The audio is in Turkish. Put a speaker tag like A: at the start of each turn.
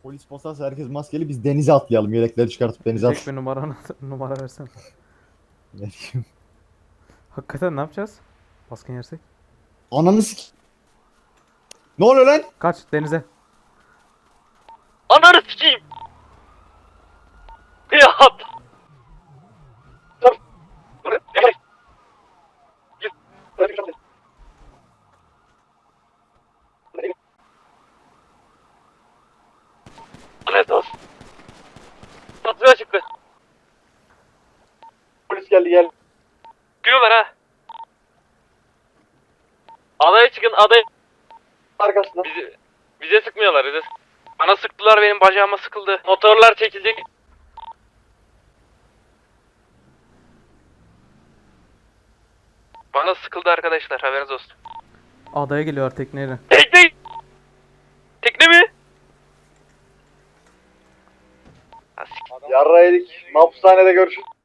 A: Polis basarsa herkes maskeli, biz denize atlayalım. Yelekleri çıkartıp denize
B: Tek bir
A: atlayalım.
B: numara versen.
A: Ne diyeyim?
B: Hakikaten ne yapacağız? Baskın yersek.
A: Ananı sik... Ne oluyor lan?
B: Kaç denize.
C: Ananı sikeyim. Ya. Lanet olsun. Tatlıya çıktı.
D: Polis geldi gel.
C: Çıkıyorlar ha. Adaya çıkın adaya.
D: Arkasında.
C: Bize sıkmıyorlar bize. Bana sıktılar, benim bacağıma sıkıldı. Motorlar çekilecek. Bana sıkıldı arkadaşlar, haberiniz olsun.
B: Adaya geliyor tekneyle.
C: Tekne! Tekne mi?
D: Yarra yedik. Mahpushanede görüşürüz.